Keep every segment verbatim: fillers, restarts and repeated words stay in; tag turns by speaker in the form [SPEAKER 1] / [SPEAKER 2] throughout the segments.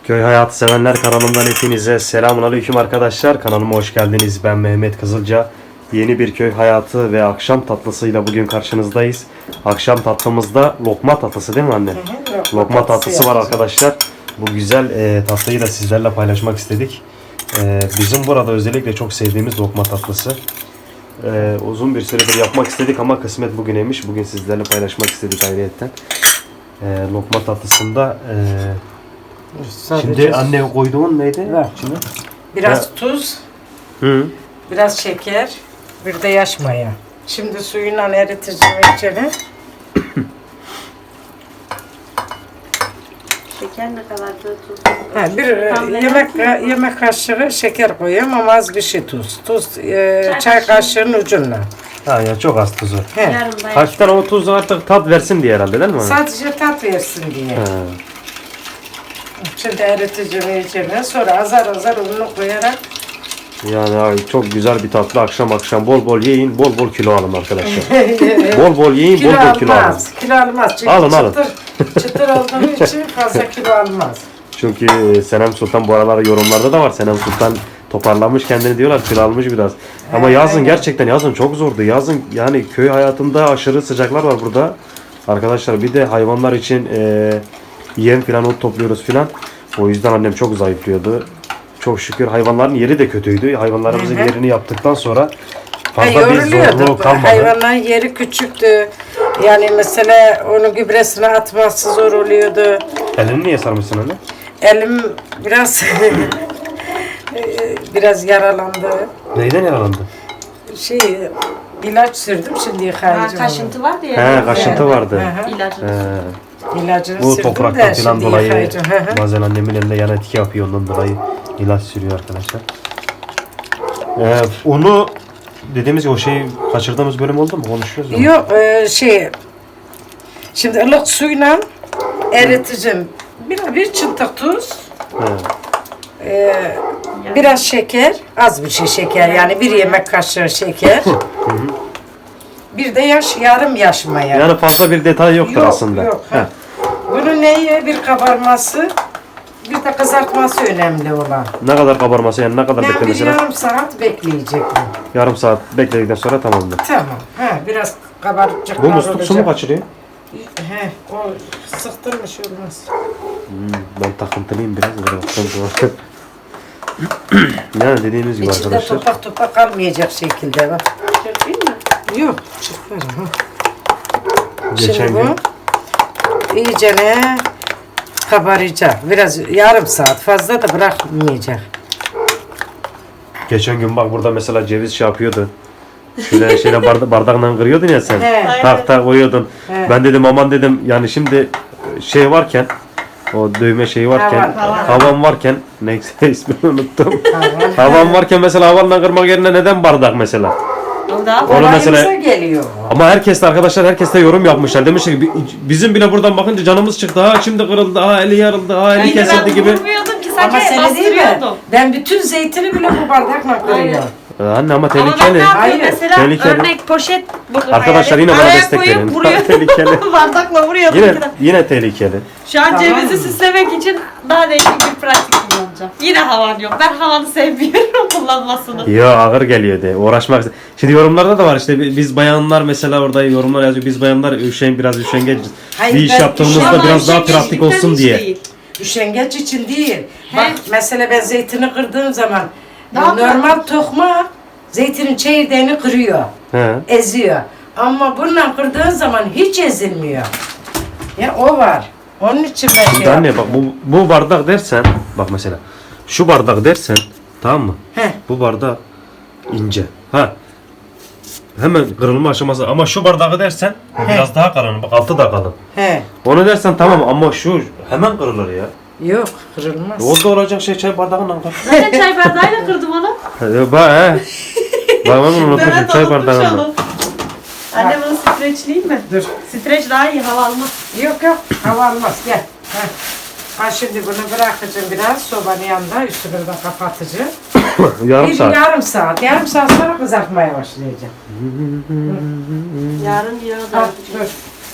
[SPEAKER 1] Köy hayatı sevenler kanalımdan hepinize selamünaleyküm arkadaşlar. Kanalıma hoş geldiniz. Ben Mehmet Kızılca. Yeni bir köy hayatı ve akşam tatlısıyla bugün karşınızdayız. Akşam tatlımızda lokma tatlısı değil mi anne? Hı hı, lokma, lokma tatlısı var arkadaşlar. Bu güzel e, tatlıyı da sizlerle paylaşmak istedik. E, bizim burada özellikle çok sevdiğimiz lokma tatlısı. E, uzun bir süredir yapmak istedik ama kısmet bugüneymiş. Bugün sizlerle paylaşmak istedik ayrıyetten. E, lokma tatlısında e,
[SPEAKER 2] Sadece
[SPEAKER 1] şimdi anne koyduğun neydi?
[SPEAKER 2] Ver.
[SPEAKER 1] Şimdi?
[SPEAKER 2] Biraz
[SPEAKER 1] Ha.
[SPEAKER 2] tuz,
[SPEAKER 1] Hı.
[SPEAKER 2] biraz şeker, bir de yaş maya. Şimdi suyuyla eriteceğim içeri.
[SPEAKER 3] Şeker ne kadar da tuz?
[SPEAKER 2] Ha, bir e,
[SPEAKER 3] Tam
[SPEAKER 2] yemek yemek kaşığı şeker koyuyorum ama az bir şey tuz. Tuz e, çay, çay kaşığının ucundan.
[SPEAKER 1] Ha ya çok az tuzu.
[SPEAKER 2] He.
[SPEAKER 3] Yarım da
[SPEAKER 1] Hafiften o tuz artık tat versin diye herhalde değil mi?
[SPEAKER 2] Sadece tat versin diye.
[SPEAKER 1] Ha.
[SPEAKER 2] Şimdi eriteceğim içeri. Sonra azar azar ununu koyarak.
[SPEAKER 1] Yani abi çok güzel bir tatlı akşam akşam bol bol yiyin, bol bol kilo alın arkadaşlar. bol bol yiyin,
[SPEAKER 2] Kilo
[SPEAKER 1] bol bol kilo alın.
[SPEAKER 2] almaz. Kilo almaz. Çünkü
[SPEAKER 1] Alın, alın.
[SPEAKER 2] çıtır, çıtır olduğu için fazla kilo almaz.
[SPEAKER 1] Çünkü Senem Sultan bu aralar yorumlarda da var. Senem Sultan toparlamış kendini diyorlar, kilo almış biraz. Ama
[SPEAKER 2] Evet,
[SPEAKER 1] yazın
[SPEAKER 2] aynen.
[SPEAKER 1] gerçekten yazın çok zordu. Yazın yani köy hayatında aşırı sıcaklar var burada. Arkadaşlar bir de hayvanlar için e, yem falan ot topluyoruz filan. O yüzden annem çok zayıflıyordu. Çok şükür hayvanların yeri de kötüydü. Hayvanlarımızın
[SPEAKER 2] Hı hı.
[SPEAKER 1] yerini yaptıktan sonra
[SPEAKER 2] Ha,
[SPEAKER 1] fazla bir zorluğu
[SPEAKER 2] yoruluyordu.
[SPEAKER 1] kalmadı.
[SPEAKER 2] Hayvanların yeri küçüktü. Yani mesela onun gübresini atması zor oluyordu.
[SPEAKER 1] Elini niye sarmışsın anne?
[SPEAKER 2] Elim biraz biraz yaralandı.
[SPEAKER 1] Neyden yaralandı?
[SPEAKER 2] Şey ilaç sürdüm şimdi
[SPEAKER 3] Ha,
[SPEAKER 2] yıkayacağım.
[SPEAKER 3] kaşıntı vardı ya.
[SPEAKER 1] He kaşıntı vardı.
[SPEAKER 2] Hı hı.
[SPEAKER 3] İlacını.
[SPEAKER 1] He.
[SPEAKER 2] İlacını
[SPEAKER 1] Bu
[SPEAKER 2] sürdüm
[SPEAKER 1] topraktan
[SPEAKER 2] de
[SPEAKER 1] falan
[SPEAKER 2] şimdi
[SPEAKER 1] dolayı
[SPEAKER 2] yıkayacağım. Hı hı.
[SPEAKER 1] bazen annemin elinde yan etki yapıyor, ondan dolayı ilaç sürüyor arkadaşlar. Ee, onu dediğimiz gibi o şeyi kaçırdığımız bölüm oldu mu? Konuşuyoruz mu?
[SPEAKER 2] Yok e, şey şimdi ılık suyla eriteceğim. Bir, bir çıntık tuz.
[SPEAKER 1] He.
[SPEAKER 2] e, biraz şeker, az bir şey şeker yani bir yemek kaşığı şeker. Bir de yaş, yarım yaş maya.
[SPEAKER 1] Yani fazla bir detay yoktur
[SPEAKER 2] Yok,
[SPEAKER 1] aslında.
[SPEAKER 2] yok,
[SPEAKER 1] He.
[SPEAKER 2] ha. Bunun neye bir kabarması, bir de kızartması önemli olan.
[SPEAKER 1] Ne kadar kabarması yani ne kadar
[SPEAKER 2] Yani bir
[SPEAKER 1] beklemesi lazım?
[SPEAKER 2] yarım saat bekleyecek bu.
[SPEAKER 1] Yarım saat bekledikten sonra tamamdır.
[SPEAKER 2] Tamam. Ha, biraz kabarcıklar
[SPEAKER 1] Bu musluk su mu
[SPEAKER 2] olacak.
[SPEAKER 1] kaçırıyor?
[SPEAKER 2] He, o sıktırmış olmaz.
[SPEAKER 1] Hmm, ben takıntılıyım biraz. Böyle baktığım zaman. Yani dediğimiz gibi
[SPEAKER 2] İçinde
[SPEAKER 1] arkadaşlar.
[SPEAKER 2] topak topak kalmayacak şekilde bak.
[SPEAKER 3] Değil mi?
[SPEAKER 2] Yok, çıkar. Ha.
[SPEAKER 1] Geçen
[SPEAKER 2] Şimdi
[SPEAKER 1] gün
[SPEAKER 2] bu iyicene kabaracak. Biraz yarım saat fazla da bırakmayacak.
[SPEAKER 1] geçen gün bak burada mesela ceviz şey yapıyordu. Şöyle şeyle barda, bardakla kırıyordun ya sen.
[SPEAKER 2] He.
[SPEAKER 1] Tak tak koyuyordun.
[SPEAKER 2] He.
[SPEAKER 1] Ben dedim aman dedim yani şimdi şey varken o dövme şeyi varken
[SPEAKER 2] Havan, havan.
[SPEAKER 1] havan varken neyse ismini unuttum.
[SPEAKER 2] Havan.
[SPEAKER 1] Havan varken mesela havanla kırmak yerine neden bardak mesela?
[SPEAKER 3] O da
[SPEAKER 1] Onu
[SPEAKER 2] Kolayımıza
[SPEAKER 1] mesela
[SPEAKER 2] geliyor.
[SPEAKER 1] ama herkes de arkadaşlar herkes de yorum yapmışlar. Demişler ki bizim bile buradan bakınca canımız çıktı. Ha şimdi kırıldı. Ha eli yarıldı. Ha eli kesildi gibi.
[SPEAKER 3] Vurmuyordum ki
[SPEAKER 2] Ama
[SPEAKER 3] sadece
[SPEAKER 2] seni değil mi?
[SPEAKER 3] bastırıyordum.
[SPEAKER 2] Ben bütün zeytini bile bu bardakla kırıyorum.
[SPEAKER 1] Ee, Anne ama
[SPEAKER 3] Ama ben ne
[SPEAKER 1] tehlikeli.
[SPEAKER 3] yapıyorum
[SPEAKER 2] Hayır,
[SPEAKER 3] mesela
[SPEAKER 1] tehlikeli.
[SPEAKER 3] örnek poşet buldum.
[SPEAKER 1] Arkadaşlar
[SPEAKER 3] hayal
[SPEAKER 1] yine
[SPEAKER 3] et.
[SPEAKER 1] bana
[SPEAKER 3] Araya
[SPEAKER 1] destek
[SPEAKER 3] koyup
[SPEAKER 1] verin.
[SPEAKER 3] vuruyor.
[SPEAKER 1] Tehlikeli.
[SPEAKER 3] Bardakla vuruyordum.
[SPEAKER 1] Yine
[SPEAKER 3] Yine,
[SPEAKER 1] yine tehlikeli.
[SPEAKER 3] Şu an
[SPEAKER 2] Tamam.
[SPEAKER 3] cevizi süslemek için daha değişik bir pratik kullanacağım. Yine havan yok. Ben havanı sevmiyorum kullanmasını.
[SPEAKER 1] Ya ağır geliyor de uğraşmak. Şimdi yorumlarda da var işte biz bayanlar mesela orada yorumlar yazıyor. Biz bayanlar üşen biraz üşengeç.
[SPEAKER 2] Hayır,
[SPEAKER 1] Bir iş
[SPEAKER 2] ben
[SPEAKER 1] yaptığımızda
[SPEAKER 2] üşenmem.
[SPEAKER 1] biraz daha
[SPEAKER 3] Üşengeçlikten
[SPEAKER 1] pratik olsun
[SPEAKER 3] hiç
[SPEAKER 1] diye.
[SPEAKER 3] değil.
[SPEAKER 2] Üşengeç için değil.
[SPEAKER 3] He.
[SPEAKER 2] Bak mesela ben zeytini kırdığım zaman
[SPEAKER 3] Daha
[SPEAKER 2] normal tokma zeytinin çekirdeğini kırıyor.
[SPEAKER 1] He.
[SPEAKER 2] Eziyor. Ama bununla kırdığın zaman hiç ezilmiyor. Ya o var. Onun için ben şey
[SPEAKER 1] Şimdi anne bak
[SPEAKER 2] yapıyorum.
[SPEAKER 1] bu, bu bardak dersen bak mesela şu bardak dersen tamam mı?
[SPEAKER 2] Heh.
[SPEAKER 1] Bu bardak ince. Ha. Hemen kırılma aşaması ama şu bardağı dersen bu biraz daha kalın. Bak altı da kalın.
[SPEAKER 2] He.
[SPEAKER 1] Onu dersen tamam ama şu hemen kırılır ya.
[SPEAKER 2] Yok kırılmaz.
[SPEAKER 1] Orada olacak şey çay bardağından kır.
[SPEAKER 3] Zaten çay bardağıyla kırdım onu.
[SPEAKER 1] He, Bak he. Bak ben bunu unutmuşum
[SPEAKER 3] Mehmet
[SPEAKER 1] çay
[SPEAKER 3] unutmuş
[SPEAKER 1] bardağından.
[SPEAKER 3] onu. Anne bunu streçleyeyim mi?
[SPEAKER 2] Dur.
[SPEAKER 3] Streç daha iyi hava almaz.
[SPEAKER 2] Yok yok hava almaz gel. Heh. Ha şimdi bunu bırakacağım biraz sobanın yanında üstünü de kapatacağım.
[SPEAKER 1] Yarım
[SPEAKER 2] bir
[SPEAKER 1] saat.
[SPEAKER 2] yarım saat. Yarım saat sonra kızartmaya başlayacağım.
[SPEAKER 3] Yarın yağı
[SPEAKER 2] Ha,
[SPEAKER 3] da
[SPEAKER 2] dur.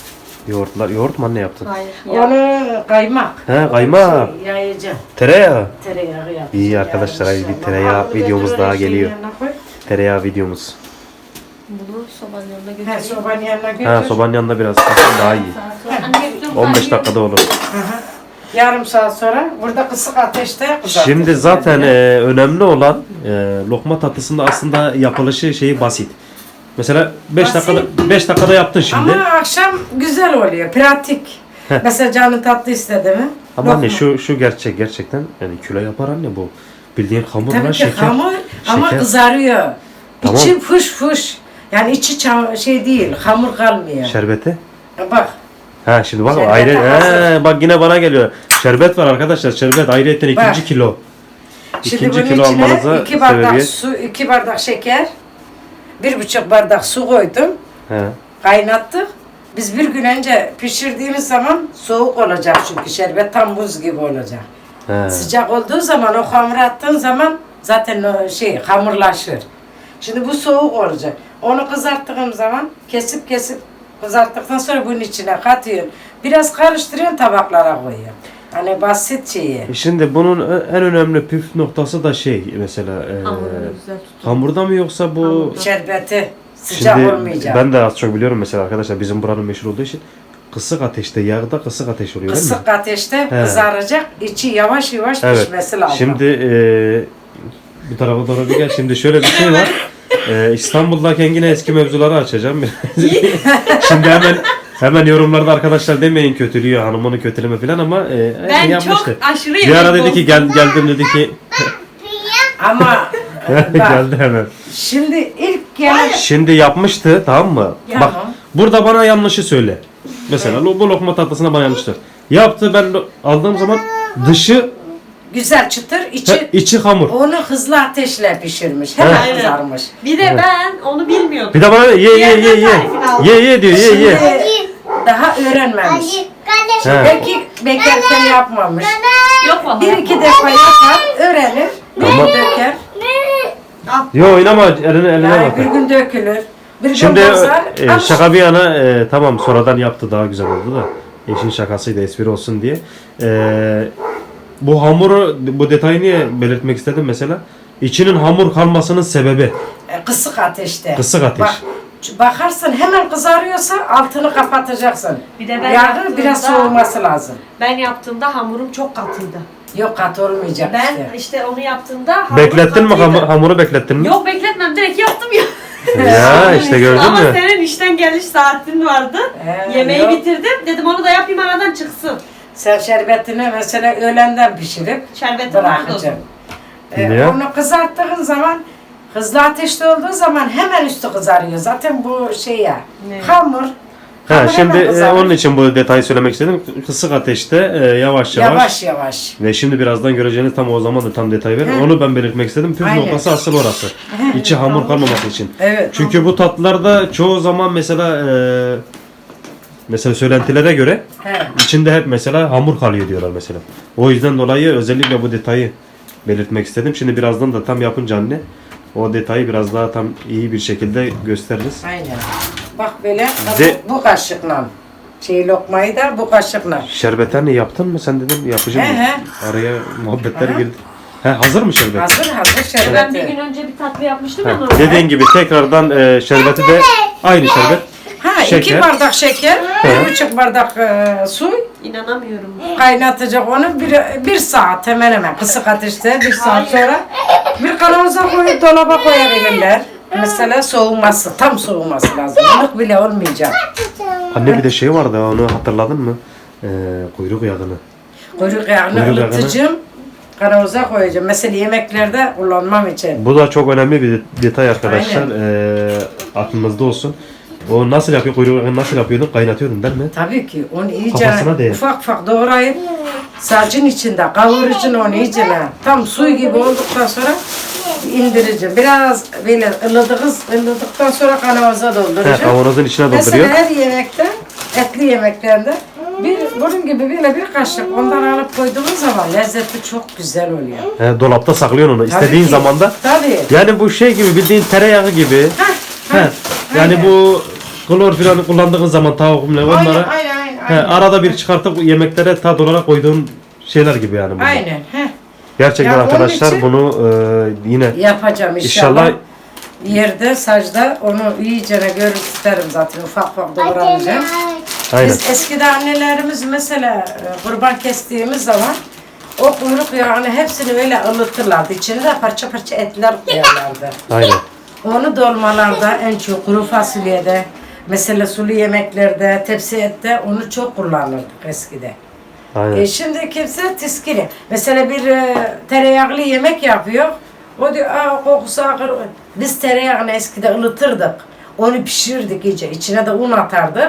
[SPEAKER 1] Yoğurtlar, yoğurt mu anne yaptın?
[SPEAKER 3] Hayır. Ya.
[SPEAKER 2] Onu kaymak.
[SPEAKER 1] He, kaymak.
[SPEAKER 2] Şey, yayacağım.
[SPEAKER 1] Tereyağı.
[SPEAKER 2] Tereyağı yapacağım.
[SPEAKER 1] İyi arkadaşlar,
[SPEAKER 2] Yani
[SPEAKER 1] hadi bir
[SPEAKER 2] inşallah.
[SPEAKER 1] tereyağı
[SPEAKER 2] Hamuru
[SPEAKER 1] videomuz
[SPEAKER 2] götür,
[SPEAKER 1] daha
[SPEAKER 2] öyle şeyin
[SPEAKER 1] geliyor.
[SPEAKER 2] yanına koy.
[SPEAKER 1] Tereyağı videomuz.
[SPEAKER 3] Bunu sobanın yanına
[SPEAKER 2] He,
[SPEAKER 3] götüreyim.
[SPEAKER 2] sobanın yanına götür.
[SPEAKER 1] Ha, sobanın yanında biraz daha iyi.
[SPEAKER 3] Anne götürüyorum.
[SPEAKER 1] on beş dakikada olur.
[SPEAKER 2] Hı hı. Yarım saat sonra burada kısık ateşte kızartacağız.
[SPEAKER 1] Şimdi zaten e, önemli olan e, lokma tatlısında aslında yapılışı şeyi basit. Mesela beş
[SPEAKER 2] Basit.
[SPEAKER 1] dakikada beş dakikada yaptın şimdi.
[SPEAKER 2] Ama akşam güzel oluyor, pratik. Mesela canın tatlı istedi mi?
[SPEAKER 1] Ama anne
[SPEAKER 2] Lokma.
[SPEAKER 1] şu şu gerçek gerçekten yani kilo yapar anne bu. Bildiğin hamurla
[SPEAKER 2] Tabii ki
[SPEAKER 1] şeker.
[SPEAKER 2] hamur ama
[SPEAKER 1] şeker.
[SPEAKER 2] kızarıyor.
[SPEAKER 1] Tamam.
[SPEAKER 2] İçi fış fış. Yani içi çam- şey değil, hamur kalmıyor.
[SPEAKER 1] Şerbeti.
[SPEAKER 2] Bak,
[SPEAKER 1] Ha şimdi bak
[SPEAKER 2] Şerbeti
[SPEAKER 1] ayrı
[SPEAKER 2] hazır.
[SPEAKER 1] he, bak yine bana geliyor. Şerbet var arkadaşlar. Şerbet ayrıyetten ikinci
[SPEAKER 2] Bak.
[SPEAKER 1] kilo.
[SPEAKER 2] şimdi
[SPEAKER 1] İkinci
[SPEAKER 2] bunun
[SPEAKER 1] kilo
[SPEAKER 2] içine
[SPEAKER 1] almanıza
[SPEAKER 2] iki bardak
[SPEAKER 1] sebebiyet.
[SPEAKER 2] su, iki bardak şeker, bir buçuk bardak su koydum,
[SPEAKER 1] He.
[SPEAKER 2] kaynattık. Biz bir gün önce pişirdiğimiz zaman soğuk olacak çünkü şerbet tam buz gibi olacak.
[SPEAKER 1] He.
[SPEAKER 2] Sıcak olduğu zaman o hamur attığın zaman zaten o şey hamurlaşır. Şimdi bu soğuk olacak. Onu kızarttığım zaman kesip kesip kızarttıktan sonra bunun içine katıyorsun. Biraz karıştırıyorsun, tabaklara koyuyorsun. Hani basit şeyi.
[SPEAKER 1] E Şimdi bunun en önemli püf noktası da şey mesela e,
[SPEAKER 3] Hamurunu güzel tutun.
[SPEAKER 1] hamurda mı yoksa bu
[SPEAKER 3] Hamurda.
[SPEAKER 2] Şerbeti sıcak
[SPEAKER 1] şimdi
[SPEAKER 2] olmayacak.
[SPEAKER 1] ben de az çok biliyorum mesela arkadaşlar bizim buranın meşhur olduğu için kısık ateşte yağda kısık ateş oluyor değil mi?
[SPEAKER 2] Kısık ateşte
[SPEAKER 1] He.
[SPEAKER 2] kızaracak, içi yavaş yavaş
[SPEAKER 1] Evet.
[SPEAKER 2] pişmesi lazım.
[SPEAKER 1] Şimdi e, bu tarafa doğru bir gel. Şimdi şöyle bir şey var. E, İstanbul'dayken yine eski mevzuları açacağım. Şimdi hemen hemen yorumlarda arkadaşlar demeyin kötülüyor hanımını kötüleme falan ama e,
[SPEAKER 3] Ben
[SPEAKER 1] yapmıştı.
[SPEAKER 3] çok aşırı
[SPEAKER 1] Bir ara
[SPEAKER 3] yemek
[SPEAKER 1] dedi ki gel
[SPEAKER 3] bozdum.
[SPEAKER 1] geldim dedi ki
[SPEAKER 2] Ama bak,
[SPEAKER 1] geldi hemen.
[SPEAKER 2] şimdi ilk gelen
[SPEAKER 1] Şimdi yapmıştı tamam mı?
[SPEAKER 2] Ya.
[SPEAKER 1] Bak burada bana yanlışı söyle. Mesela lo- bu lokma tatlısına bana yanlıştır. Yaptı ben lo- aldığım zaman dışı
[SPEAKER 2] güzel çıtır, içi
[SPEAKER 1] he, içi hamur.
[SPEAKER 2] onu hızlı ateşle pişirmiş. Hemen
[SPEAKER 3] Aynen.
[SPEAKER 2] kızarmış.
[SPEAKER 3] Bir de ben onu bilmiyordum.
[SPEAKER 1] Bir de bana ye ye ye ye.
[SPEAKER 3] Yerden tarifini
[SPEAKER 1] Ye ye diyor ye ye.
[SPEAKER 2] Şimdi daha öğrenmemiş.
[SPEAKER 1] He.
[SPEAKER 2] Belki bekarken yapmamış.
[SPEAKER 3] Yok vallahi.
[SPEAKER 2] Bir iki defa yapar, öğrenir. Bir
[SPEAKER 1] Ama-
[SPEAKER 2] gün döker.
[SPEAKER 1] Yo oynama eline eline
[SPEAKER 2] Yani
[SPEAKER 1] bak.
[SPEAKER 2] bir gün dökülür. Bir gün
[SPEAKER 1] Şimdi
[SPEAKER 2] bozar.
[SPEAKER 1] e,
[SPEAKER 2] Ama
[SPEAKER 1] şaka bir yana e, tamam sonradan yaptı daha güzel oldu da eşin şakasıydı espri olsun diye. E, bu hamuru bu detayı niye belirtmek istedim mesela? İçinin hamur kalmasının sebebi
[SPEAKER 2] e, kısık ateşte.
[SPEAKER 1] kısık ateş.
[SPEAKER 2] Bak, bakarsın hemen kızarıyorsa altını kapatacaksın.
[SPEAKER 3] Bir de ben
[SPEAKER 2] Yağı
[SPEAKER 3] yaptığımda-
[SPEAKER 2] biraz soğuması lazım.
[SPEAKER 3] Ben yaptığımda hamurum çok katıydı.
[SPEAKER 2] Yok kat olmayacak
[SPEAKER 3] Ben
[SPEAKER 2] işte.
[SPEAKER 3] işte onu yaptığımda hamurum
[SPEAKER 1] Beklettin mi
[SPEAKER 3] katıydı.
[SPEAKER 1] hamur, hamuru beklettin mi?
[SPEAKER 3] Yok bekletmem direkt yaptım ya.
[SPEAKER 1] Ya işte gördün
[SPEAKER 3] Ama
[SPEAKER 1] mü?
[SPEAKER 3] senin işten geliş saatin vardı.
[SPEAKER 2] Ee,
[SPEAKER 3] Yemeği
[SPEAKER 2] yok.
[SPEAKER 3] bitirdim. Dedim onu da yapayım aradan çıksın.
[SPEAKER 2] Sen şerbetini mesela öğlenden pişirip
[SPEAKER 3] Şerbetim vardı o
[SPEAKER 2] bırakacaksın.
[SPEAKER 3] zaman.
[SPEAKER 2] Ee,
[SPEAKER 1] Niye?
[SPEAKER 2] onu kızarttığın zaman hızlı ateşte olduğu zaman hemen üstü kızarıyor. Zaten bu şey ya
[SPEAKER 3] Ne?
[SPEAKER 2] hamur.
[SPEAKER 1] Ha,
[SPEAKER 2] hamur
[SPEAKER 1] şimdi
[SPEAKER 2] hemen
[SPEAKER 1] e,
[SPEAKER 2] kızarır.
[SPEAKER 1] onun için bu detayı söylemek istedim. Kısık ateşte e, yavaş yavaş,
[SPEAKER 2] Yavaş yavaş.
[SPEAKER 1] ve şimdi birazdan göreceğiniz tam o zaman da tam detay verin.
[SPEAKER 2] Hı.
[SPEAKER 1] Onu ben belirtmek istedim. Püf
[SPEAKER 2] Aynen.
[SPEAKER 1] noktası asıl orası. İçi hamur kalmaması için.
[SPEAKER 2] Evet.
[SPEAKER 1] Çünkü bu tatlılarda çoğu zaman mesela e, mesela söylentilere göre
[SPEAKER 2] He.
[SPEAKER 1] içinde hep mesela hamur kalıyor diyorlar mesela. O yüzden dolayı özellikle bu detayı belirtmek istedim. Şimdi birazdan da tam yapınca anne o detayı biraz daha tam iyi bir şekilde gösteririz.
[SPEAKER 2] Aynen. Bak böyle
[SPEAKER 1] De-
[SPEAKER 2] bu, bu kaşıkla. Şey lokmayı da bu kaşıkla.
[SPEAKER 1] Şerbetlerini yaptın mı sen dedim yapacağım.
[SPEAKER 2] He, he.
[SPEAKER 1] Araya muhabbetler
[SPEAKER 2] Aha.
[SPEAKER 1] girdi. He, hazır mı şerbet?
[SPEAKER 2] Hazır hazır şerbeti.
[SPEAKER 3] Ben bir gün önce bir tatlı yapmıştım
[SPEAKER 1] He,
[SPEAKER 3] ya normal.
[SPEAKER 1] dediğin gibi tekrardan e, şerbeti de aynı şerbet.
[SPEAKER 2] Ha
[SPEAKER 1] Şeker.
[SPEAKER 2] iki bardak şeker, bir buçuk bardak e, su
[SPEAKER 3] İnanamıyorum.
[SPEAKER 2] kaynatacak onu bir, bir saat hemen hemen kısık ateşte bir saat sonra bir kavanoza koyup dolaba koyabilirler. Mesela soğuması, tam soğuması lazım. Ilık bile olmayacak.
[SPEAKER 1] Anne bir de şey vardı onu hatırladın mı? E, kuyruk yağını.
[SPEAKER 2] Kuyruk yağını
[SPEAKER 1] Kuyruk yağını.
[SPEAKER 2] ılıtacağım, kavanoza koyacağım. Mesela yemeklerde kullanmam için.
[SPEAKER 1] Bu da çok önemli bir detay arkadaşlar. E, aklınızda olsun. O nasıl yapıyor? Kuyruk yağını nasıl yapıyordun? Kaynatıyordun değil mi?
[SPEAKER 2] Tabii ki onu iyice
[SPEAKER 1] Kafasına değer.
[SPEAKER 2] ufak ufak doğrayıp sacın içinde kavurucun onu iyice tam su gibi olduktan sonra indireceğim. Biraz böyle ılıdığız, ılıdıktan sonra kavanoza
[SPEAKER 1] He,
[SPEAKER 2] dolduracağım.
[SPEAKER 1] kavanozun içine
[SPEAKER 2] Mesela
[SPEAKER 1] dolduruyor.
[SPEAKER 2] her yemekte, etli yemeklerde bir bunun gibi böyle bir kaşık ondan alıp koyduğumuz zaman lezzeti çok güzel oluyor.
[SPEAKER 1] He, dolapta saklıyorsun onu. İstediğin
[SPEAKER 2] ki.
[SPEAKER 1] zamanda.
[SPEAKER 2] Tabii.
[SPEAKER 1] Yani bu şey gibi bildiğin tereyağı gibi. He. Yani
[SPEAKER 2] aynen.
[SPEAKER 1] bu klor falan kullandığın zaman tavuk ne
[SPEAKER 2] Aynen
[SPEAKER 1] onlara
[SPEAKER 2] aynen
[SPEAKER 1] He, arada bir çıkartıp yemeklere tat olarak koyduğun şeyler gibi yani. bunlar.
[SPEAKER 2] Aynen. Heh.
[SPEAKER 1] Gerçekten
[SPEAKER 2] Ya onun
[SPEAKER 1] arkadaşlar
[SPEAKER 2] için-
[SPEAKER 1] bunu e, yine
[SPEAKER 2] Yapacağım inşallah.
[SPEAKER 1] İnşallah-
[SPEAKER 2] Yerde, sacda onu iyice görür isterim zaten. Ufak ufak doğranacağım.
[SPEAKER 1] aynen.
[SPEAKER 2] Biz eskide annelerimiz mesela e, kurban kestiğimiz zaman o kuyruk yağını hepsini öyle ılıtırlardı. İçine de parça parça etler koyarlardı.
[SPEAKER 1] Aynen.
[SPEAKER 2] Onu dolmalarda en çok kuru fasulyede, mesela sulu yemeklerde, tepsi ette onu çok kullanırdık eskide.
[SPEAKER 1] Aynen.
[SPEAKER 2] E şimdi kimse tiskili. Mesela bir e, tereyağlı yemek yapıyor. O diyor aa kokusu ağır. Biz tereyağını eskide ılıtırdık. Onu pişirirdik iyice. İçine de un atardık.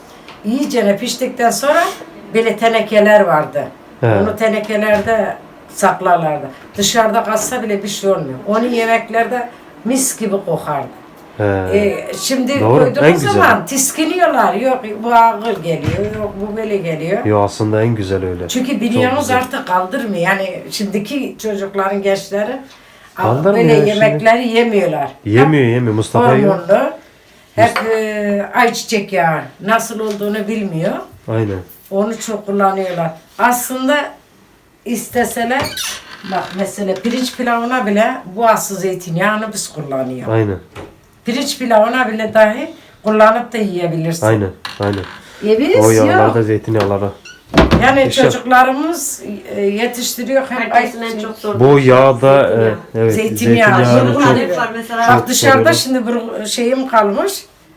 [SPEAKER 2] İyice piştikten sonra böyle tenekeler vardı.
[SPEAKER 1] He.
[SPEAKER 2] Onu tenekelerde saklarlardı. Dışarıda kalsa bile bir şey olmuyor. Onu yemeklerde mis gibi kokardı.
[SPEAKER 1] He.
[SPEAKER 2] E, şimdi
[SPEAKER 1] Doğru, en
[SPEAKER 2] koyduğumuz
[SPEAKER 1] güzeli.
[SPEAKER 2] zaman tiskiniyorlar. Yok bu ağır geliyor, yok bu böyle geliyor.
[SPEAKER 1] Yo aslında en güzel öyle.
[SPEAKER 2] Çünkü biliyorsunuz
[SPEAKER 1] güzel.
[SPEAKER 2] artık kaldırmıyor. Yani şimdiki çocukların, gençleri
[SPEAKER 1] Kaldırmıyor
[SPEAKER 2] böyle
[SPEAKER 1] ya şimdi.
[SPEAKER 2] yemekleri yemiyorlar.
[SPEAKER 1] Yemiyor yemiyor Mustafa
[SPEAKER 2] Hep
[SPEAKER 1] yiyor.
[SPEAKER 2] hormonlu. Hep e, ayçiçek yağı. Nasıl olduğunu bilmiyor.
[SPEAKER 1] Aynen.
[SPEAKER 2] Onu çok kullanıyorlar. Aslında isteseler, bak mesela pirinç pilavına bile bu asıl zeytinyağını biz kullanıyoruz.
[SPEAKER 1] Aynen.
[SPEAKER 2] Pirinç pilavına bile dahi kullanıp da yiyebilirsin.
[SPEAKER 1] Aynen. Aynen.
[SPEAKER 2] E biz
[SPEAKER 1] O
[SPEAKER 2] yok.
[SPEAKER 1] yağlarda zeytinyağları.
[SPEAKER 2] Yani
[SPEAKER 1] İşte-
[SPEAKER 2] çocuklarımız e, yetiştiriyor hem
[SPEAKER 3] Herkesin en
[SPEAKER 2] ayçiçek-
[SPEAKER 3] çok sorduğu
[SPEAKER 1] Bu yağda
[SPEAKER 3] zeytinyağı.
[SPEAKER 1] e, evet
[SPEAKER 2] Zeytinyağı.
[SPEAKER 1] zeytinyağını
[SPEAKER 2] Bunlar
[SPEAKER 1] çok
[SPEAKER 3] hep var mesela.
[SPEAKER 2] Bak dışarıda
[SPEAKER 1] seviyorum.
[SPEAKER 2] şimdi bir şeyim kalmış.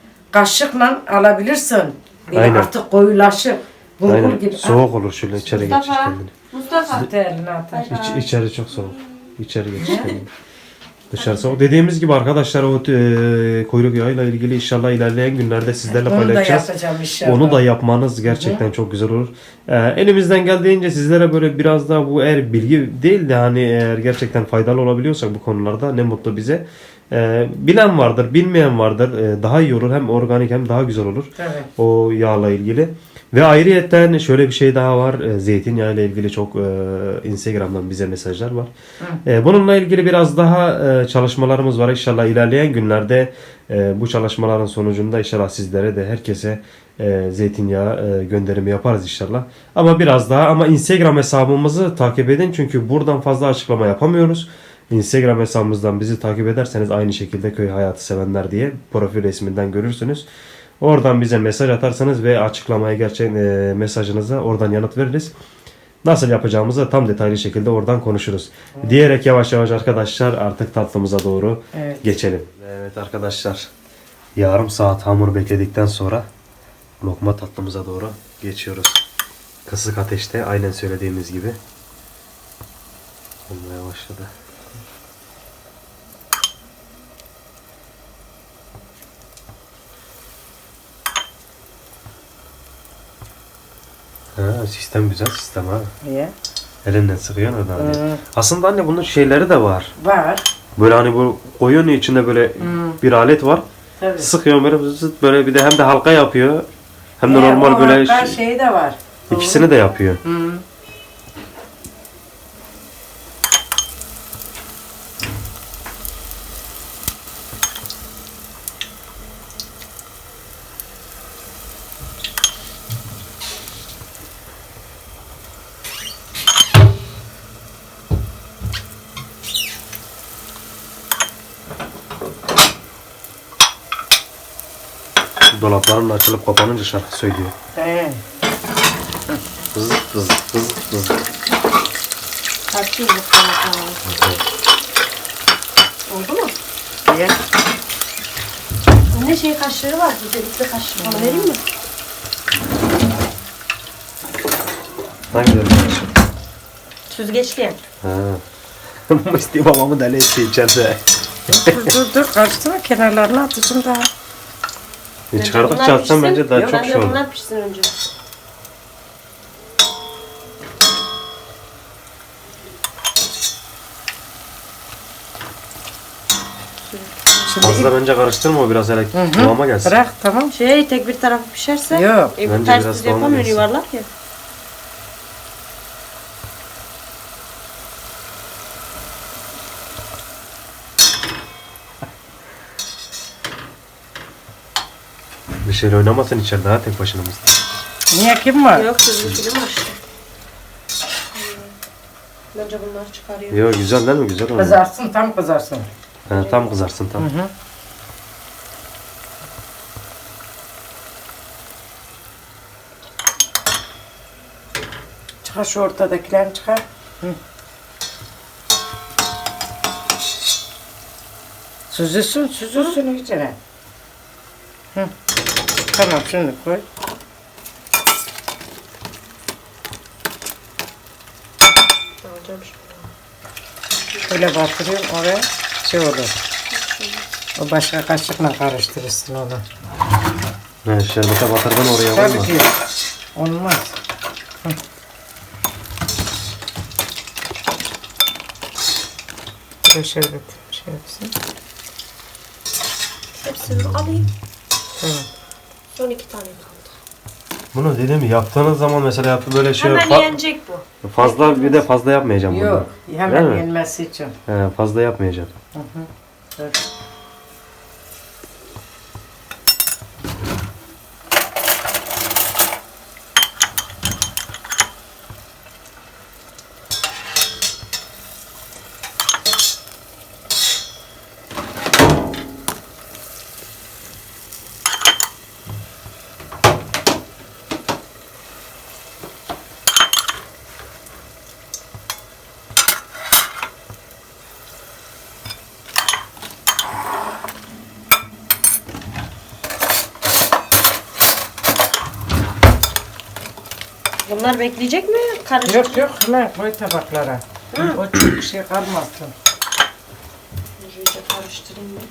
[SPEAKER 2] Kaşıkla alabilirsin. Böyle
[SPEAKER 1] Aynen.
[SPEAKER 2] artık koyulaşır. Bulgur
[SPEAKER 1] Aynen.
[SPEAKER 2] gibi.
[SPEAKER 1] Soğuk olur şöyle içeri geçir
[SPEAKER 3] Mustafa.
[SPEAKER 1] kendini.
[SPEAKER 3] Mustafa.
[SPEAKER 2] At eline atar.
[SPEAKER 1] İç, içeri çok soğuk. İçeri geçir kendini. Dışarı soğuk. Dediğimiz gibi arkadaşlar o e, kuyruk yağıyla ilgili inşallah ilerleyen günlerde sizlerle
[SPEAKER 2] Onu da
[SPEAKER 1] paylaşacağız.
[SPEAKER 2] yapacağım inşallah.
[SPEAKER 1] Onu da yapmanız gerçekten çok güzel olur. Ee, elimizden geldiğince sizlere böyle biraz daha bu eğer bilgi değil de hani eğer gerçekten faydalı olabiliyorsak bu konularda ne mutlu bize. Ee, bilen vardır, bilmeyen vardır. Ee, daha iyi olur. Hem organik hem daha güzel olur.
[SPEAKER 2] Evet.
[SPEAKER 1] O yağla ilgili. Ve ayrıyetten şöyle bir şey daha var. Ee, Zeytinyağı ile ilgili çok e, Instagram'dan bize mesajlar var. Ee, bununla ilgili biraz daha e, çalışmalarımız var. İnşallah ilerleyen günlerde e, bu çalışmaların sonucunda inşallah sizlere de herkese e, zeytinyağı e, gönderimi yaparız inşallah. Ama biraz daha ama Instagram hesabımızı takip edin. Çünkü buradan fazla açıklama yapamıyoruz. Instagram hesabımızdan bizi takip ederseniz aynı şekilde köy hayatı sevenler diye profil resminden görürsünüz. Oradan bize mesaj atarsanız ve açıklamaya gerçekten e, mesajınıza oradan yanıt veririz. Nasıl yapacağımızı tam detaylı şekilde oradan konuşuruz. Diyerek yavaş yavaş arkadaşlar artık tatlımıza doğru
[SPEAKER 2] Evet.
[SPEAKER 1] geçelim. Evet arkadaşlar yarım saat hamur bekledikten sonra lokma tatlımıza doğru geçiyoruz. Kısık ateşte aynen söylediğimiz gibi olmaya başladı. Ha, sistem güzel sistem ha.
[SPEAKER 2] Niye?
[SPEAKER 1] Elinden sıkıyorsun orada hani.
[SPEAKER 2] Hı.
[SPEAKER 1] Aslında anne bunun şeyleri de var.
[SPEAKER 2] Var.
[SPEAKER 1] Böyle hani bu koyuyorsun içinde böyle bir alet var.
[SPEAKER 2] Tabii.
[SPEAKER 1] Sıkıyorsun böyle zıt böyle bir de hem de halka yapıyor. Hem de
[SPEAKER 2] Ya,
[SPEAKER 1] normal
[SPEAKER 2] o
[SPEAKER 1] böyle
[SPEAKER 2] hakka
[SPEAKER 1] şey-
[SPEAKER 2] şey de var.
[SPEAKER 1] ikisini de yapıyor.
[SPEAKER 2] Hı.
[SPEAKER 1] Dolapların açılıp kapanınca şarkı söylüyor.
[SPEAKER 2] He.
[SPEAKER 1] Vız vız vız vız.
[SPEAKER 3] Kaçıyor bu kanatlar. Oldu mu?
[SPEAKER 2] Niye?
[SPEAKER 3] Ne şey kaşları var. Bir de üstte kaşları. Onu vereyim mi?
[SPEAKER 1] Hangi bir şey?
[SPEAKER 3] Süzgeçli.
[SPEAKER 1] Ha. Musti babamı deli etti içeride.
[SPEAKER 2] dur dur dur karıştırma kenarlarını atışım daha.
[SPEAKER 1] E, Çıkardıkça atsan bence daha çok şey olur.
[SPEAKER 3] Bunlar pişsin önce.
[SPEAKER 2] Şimdi
[SPEAKER 1] Fazla bence karıştırma o biraz hele
[SPEAKER 2] Hı hı.
[SPEAKER 1] kıvama gelsin.
[SPEAKER 2] bırak tamam.
[SPEAKER 3] Şey tek bir tarafı pişerse.
[SPEAKER 2] Yok.
[SPEAKER 3] E, bu
[SPEAKER 1] Bence
[SPEAKER 3] ters
[SPEAKER 1] biraz
[SPEAKER 3] düz
[SPEAKER 1] kıvamı
[SPEAKER 3] yapamıyor
[SPEAKER 1] gelsin.
[SPEAKER 3] yuvarlak ya.
[SPEAKER 1] Bir şeyle oynamasın içeride ha tek başına mısın?
[SPEAKER 2] Niye kim var?
[SPEAKER 3] Yok kızım film açtı. Bence bunları çıkarıyor.
[SPEAKER 1] Yok güzel değil mi? Güzel oldu.
[SPEAKER 2] Kızarsın, tam kızarsın.
[SPEAKER 1] He, tam kızarsın tam.
[SPEAKER 2] Hı hı. Çıkar şu ortadakilerini çıkar. Hı. Süzülsün, süzülsün içine. Hı. Tamam, şimdi koy.
[SPEAKER 3] Alacağım şimdi.
[SPEAKER 2] Şöyle batırıyorum oraya, şey olur. O başka kaşıkla karıştırırsın onu.
[SPEAKER 1] He, şerbete batırdın oraya
[SPEAKER 2] Tabii
[SPEAKER 1] koyma.
[SPEAKER 2] ki. Olmaz. Hı. Şöyle şerbet şey yapsın.
[SPEAKER 3] Hepsini alayım.
[SPEAKER 2] Tamam.
[SPEAKER 3] Son iki tane kaldı.
[SPEAKER 1] Bunu dedim mi yaptığınız zaman mesela yaptı böyle şey
[SPEAKER 3] Hemen
[SPEAKER 1] fa-
[SPEAKER 3] yenecek bu.
[SPEAKER 1] fazla bir de fazla yapmayacağım bunu.
[SPEAKER 2] Yok,
[SPEAKER 1] Değil
[SPEAKER 2] hemen
[SPEAKER 1] mi?
[SPEAKER 2] yenmesi için.
[SPEAKER 1] He, fazla yapmayacağım.
[SPEAKER 2] Hı hı. Dur.
[SPEAKER 3] Bunlar bekleyecek mi? Karışık.
[SPEAKER 2] Yok yok, hemen koy tabaklara.
[SPEAKER 3] Hı.
[SPEAKER 2] O çok şey kalmasın.
[SPEAKER 3] İyice karıştırayım ben.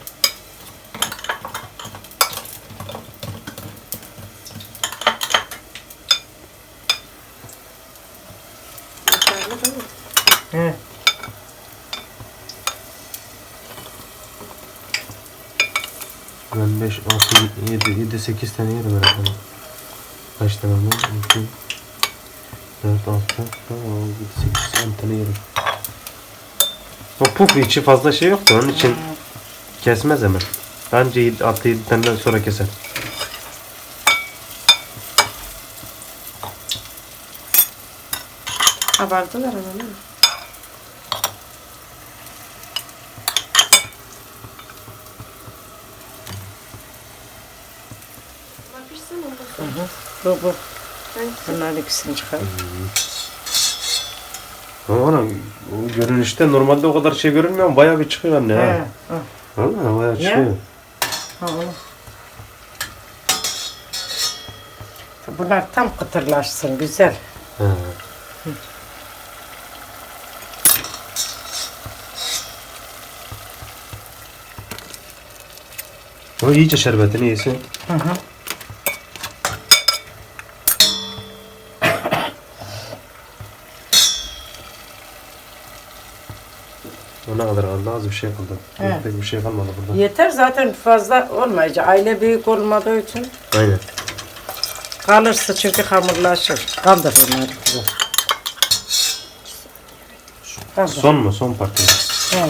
[SPEAKER 3] Yeterli değil mi?
[SPEAKER 2] He.
[SPEAKER 1] Ben beş, altı, yedi, yedi, sekiz tane yerim herhalde. Kaç tane var? iki, dört, altı, yedi, sekiz, on tane yerim. O puf içi fazla şey yoktu onun için kesmez hemen. Bence altı yedi taneden sonra keser.
[SPEAKER 3] Abartılar ama değil mi? Bunlar pişsin ondan sonra.
[SPEAKER 2] Bu bu.
[SPEAKER 3] Hangisi?
[SPEAKER 2] Bunların ikisini çıkar.
[SPEAKER 1] Ama ana, o görünüşte normalde o kadar şey görünmüyor ama bayağı bir çıkıyor anne
[SPEAKER 2] He.
[SPEAKER 1] ha.
[SPEAKER 2] Hı.
[SPEAKER 1] Valla bayağı
[SPEAKER 2] Ya.
[SPEAKER 1] çıkıyor.
[SPEAKER 2] Ha, onu. Bunlar tam kıtırlaşsın, güzel.
[SPEAKER 1] He. O iyice şerbetini yesin.
[SPEAKER 2] Hı hı.
[SPEAKER 1] O ne kadar kaldı? Az bir şey kaldı.
[SPEAKER 2] He.
[SPEAKER 1] Pek bir şey kalmadı burada.
[SPEAKER 2] Yeter zaten, fazla olmayacak. Aile büyük olmadığı için
[SPEAKER 1] Aynen.
[SPEAKER 2] kalırsa çünkü hamurlaşır. Kaldır bunları kızım. Kaldır.
[SPEAKER 1] Son mu? Son parti.
[SPEAKER 2] He.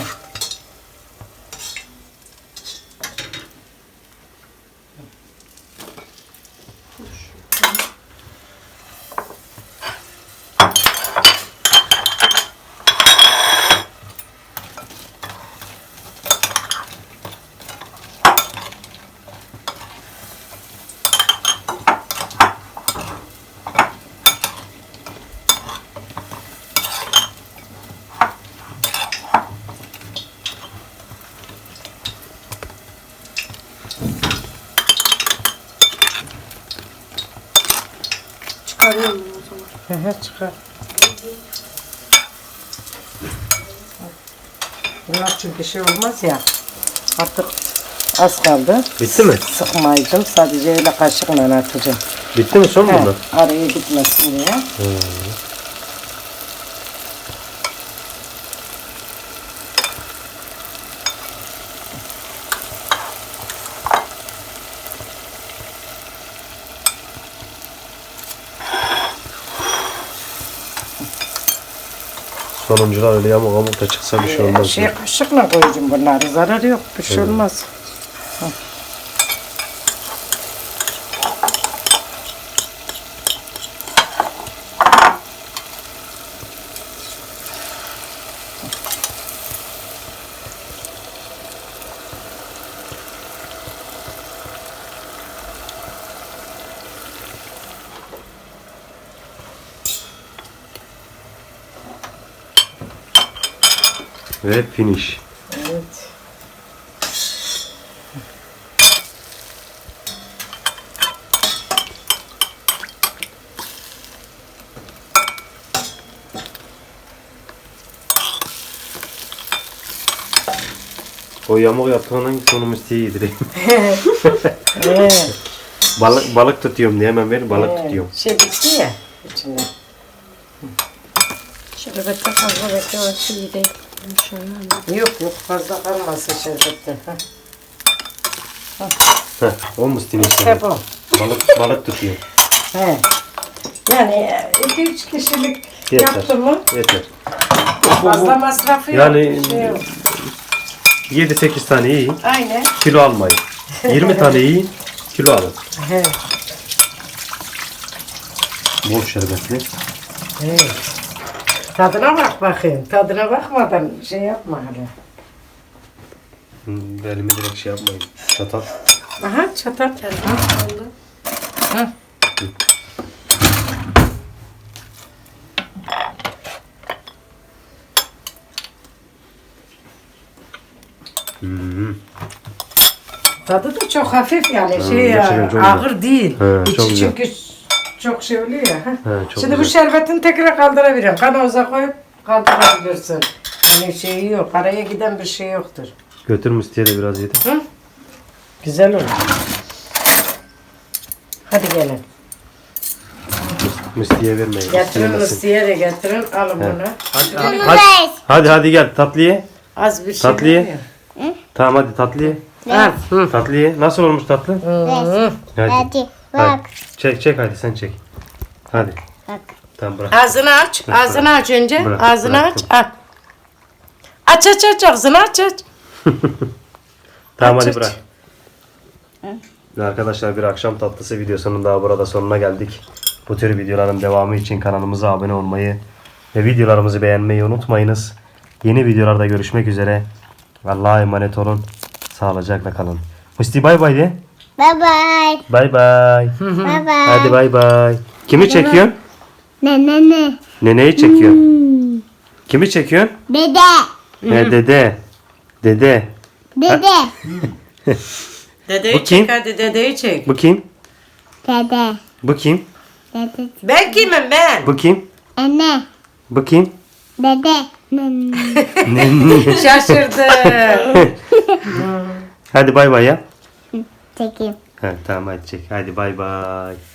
[SPEAKER 3] Çıkarıyorum bunu o zaman.
[SPEAKER 2] Hı hı, çıkar. Bunlar çünkü şey olmaz ya. Artık az kaldı.
[SPEAKER 1] Bitti mi?
[SPEAKER 2] Sıkmayacağım. Sadece öyle kaşıkla atacağım.
[SPEAKER 1] Bitti mi? Son mu
[SPEAKER 2] He,
[SPEAKER 1] bunlar?
[SPEAKER 2] araya gitmesin diye.
[SPEAKER 1] Sonuncular öyle yamuk yamuk da çıksa bir şey olmaz.
[SPEAKER 2] Şey kaşıkla koyacağım bunları. Zararı yok. Bir şey olmaz. Hı.
[SPEAKER 1] Ve finish.
[SPEAKER 2] Evet.
[SPEAKER 1] O yamuk yaptığının sonu Musti'ye yedireyim.
[SPEAKER 2] Evet.
[SPEAKER 1] balık balık tutuyorum diye hemen ver balık
[SPEAKER 2] Evet.
[SPEAKER 1] tutuyorum.
[SPEAKER 2] Şey bitti ya içinde.
[SPEAKER 3] Şerbette fazla beklemesi iyi değil. Şöyle.
[SPEAKER 2] Yok yok fazla kalmasın şerbette. Ha.
[SPEAKER 1] Heh, o Musti'nin
[SPEAKER 2] İşte
[SPEAKER 1] işi.
[SPEAKER 2] bu.
[SPEAKER 1] Balık balık tutuyor.
[SPEAKER 2] He. Yani iki üç kişilik
[SPEAKER 1] Yeter.
[SPEAKER 2] yaptı mı
[SPEAKER 1] Yeter.
[SPEAKER 2] fazla masrafı yok.
[SPEAKER 1] Yani
[SPEAKER 2] bir şey yok.
[SPEAKER 1] yedi sekiz tane iyi.
[SPEAKER 2] Aynen.
[SPEAKER 1] Kilo almayın. yirmi tane iyi. Kilo alın.
[SPEAKER 2] He.
[SPEAKER 1] Bol şerbetli.
[SPEAKER 2] Evet. Tadına bak bakayım. Tadına bakmadan şey yapma hala.
[SPEAKER 1] Hmm, elimi direkt şey yapmayın. Çatal.
[SPEAKER 2] Aha çatal. Oldu. Hı.
[SPEAKER 1] Hmm.
[SPEAKER 2] Tadı da çok hafif yani şey
[SPEAKER 1] gerçekten
[SPEAKER 2] ya,
[SPEAKER 1] çok
[SPEAKER 2] ağır değil.
[SPEAKER 1] He,
[SPEAKER 2] İçi
[SPEAKER 1] çok güzel.
[SPEAKER 2] çünkü çok şey oluyor ya. ha.
[SPEAKER 1] He, çok
[SPEAKER 2] Şimdi bu
[SPEAKER 1] güzel.
[SPEAKER 2] şerbetini tekrar kaldırabilirim. Kanoza koyup kaldırabilirsin. Yani şey yok. Araya giden bir şey yoktur.
[SPEAKER 1] Götür Musti'ye de biraz yedir.
[SPEAKER 2] Hı? Güzel olur. Hadi gelin.
[SPEAKER 1] Musti'ye vermeyin.
[SPEAKER 2] Getirin
[SPEAKER 1] Yemesin.
[SPEAKER 2] Musti'ye de getirin. Alın
[SPEAKER 1] He.
[SPEAKER 2] bunu.
[SPEAKER 1] Hadi, hadi, hadi, hadi gel tatlı ye.
[SPEAKER 2] Az bir şey
[SPEAKER 1] Tatlı ye.
[SPEAKER 2] oluyor.
[SPEAKER 1] Tamam hadi tatlı ye.
[SPEAKER 2] Al. Hı.
[SPEAKER 1] Tatlı ye. Nasıl olmuş tatlı?
[SPEAKER 2] Hı.
[SPEAKER 1] Hadi.
[SPEAKER 4] Hadi
[SPEAKER 1] Hadi.
[SPEAKER 4] bak
[SPEAKER 1] Çek çek hadi sen çek. Hadi.
[SPEAKER 4] bak.
[SPEAKER 1] Tamam bırak.
[SPEAKER 2] Ağzını aç. Ağzını aç önce.
[SPEAKER 1] Bırak,
[SPEAKER 2] Ağzını
[SPEAKER 1] bıraktım.
[SPEAKER 2] aç. Aç. Aç aç aç ağzını aç aç.
[SPEAKER 1] Tamam
[SPEAKER 2] Aç,
[SPEAKER 1] hadi
[SPEAKER 2] aç.
[SPEAKER 1] bırak. Ve arkadaşlar bir akşam tatlısı videosunun daha burada sonuna geldik. Bu tür videoların devamı için kanalımıza abone olmayı ve videolarımızı beğenmeyi unutmayınız. Yeni videolarda görüşmek üzere. Allah'a emanet olun. Sağlıcakla kalın. Musti bay bay de.
[SPEAKER 4] Bye bye.
[SPEAKER 1] Bay bay.
[SPEAKER 4] Bye bye.
[SPEAKER 1] Hadi bay bay. Kimi çekiyorsun?
[SPEAKER 4] Ne ne ne.
[SPEAKER 1] Neneyi çekiyorsun. Kimi çekiyorsun?
[SPEAKER 4] Dede.
[SPEAKER 1] He, dede. Dede.
[SPEAKER 4] Dede.
[SPEAKER 2] Dedeyi
[SPEAKER 1] Bu kim?
[SPEAKER 2] çek hadi dedeyi çek.
[SPEAKER 1] Bu kim?
[SPEAKER 4] Dede.
[SPEAKER 1] Bu kim?
[SPEAKER 4] Dede.
[SPEAKER 2] Ben kimim ben?
[SPEAKER 1] Bu kim?
[SPEAKER 4] Anne.
[SPEAKER 1] Bu kim?
[SPEAKER 4] Dede. Ne.
[SPEAKER 1] Ne-
[SPEAKER 2] Şaşırdı.
[SPEAKER 1] Hadi bay bay ya.
[SPEAKER 4] Çekeyim.
[SPEAKER 1] Ha, tamam hadi çek. Hadi bay bay.